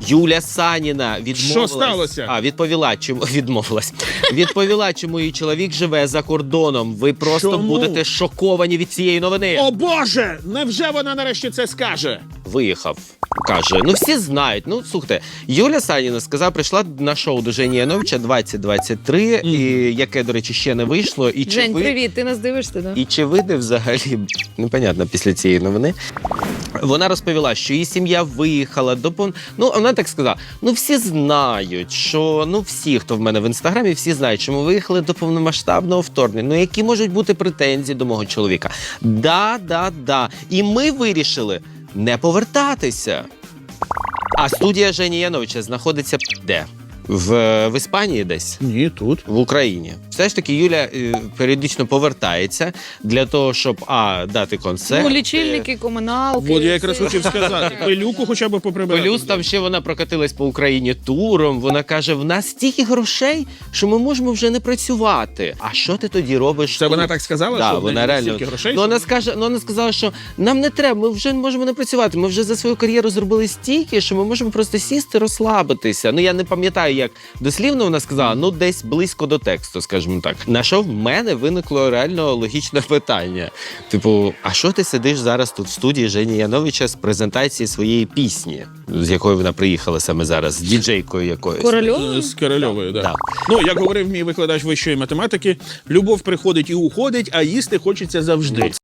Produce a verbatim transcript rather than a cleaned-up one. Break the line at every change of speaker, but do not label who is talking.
Юля Саніна відмовилась.
Що сталося?
А, відповіла, чому відмовилась. Відповіла, чому її чоловік живе за кордоном. Ви просто
Чому?
будете шоковані від цієї новини.
О Боже! Невже вона нарешті це скаже?
Виїхав. Каже, ну всі знають. Ну, слухайте, Юля Саніна сказала, прийшла на шоу до Жені Яновича двадцять двадцять три, mm. і, яке, до речі, ще не вийшло. І
Жень,
ви...
привіт, ти нас дивишся, да?
І чи вийде взагалі, непонятно, після цієї новини. Вона розповіла, що її сім'я виїхала до... Ну, вона так сказала, ну всі знають, що... Ну, всі, хто в мене в Інстаграмі, всі знають, що ми виїхали до повномасштабного вторгнення. Ну, які можуть бути претензії до мого чоловіка? Да, да, да. І ми вирішили не повертатися. А студія Жені Яновича знаходиться де? В, в Іспанії десь?
Ні, тут.
В Україні. Все ж таки Юля е, періодично повертається для того, щоб, а, дати концерт.
Ну, лічильники, комуналки.
От я якраз
все.
хотів сказати. Пилюку хоча б поприбирати.
Плюс там ще вона прокатилась по Україні туром. Вона каже, в нас стільки грошей, що ми можемо вже не працювати. А що ти тоді робиш?
Це
тут?
вона так сказала?
Да,
що в
вона
неї
реально.
стільки грошей?
Ну, вона, скаже, ну, вона сказала, що нам не треба, ми вже можемо не працювати. Ми вже за свою кар'єру зробили стільки, що ми можемо просто сісти, розслабитися. Ну, я не пам'ятаю, як дослівно вона сказала, ну, десь близько до тексту, скажімо так. На що в мене виникло реально логічне питання. Типу, а що ти сидиш зараз тут в студії Жені Яновича з презентації своєї пісні, з якою вона приїхала саме зараз, з діджейкою якоюсь?
Корольова?
З Корольовою, так. Да.
Да.
Ну, як говорив мій викладач вищої математики, любов приходить і уходить, а їсти хочеться завжди.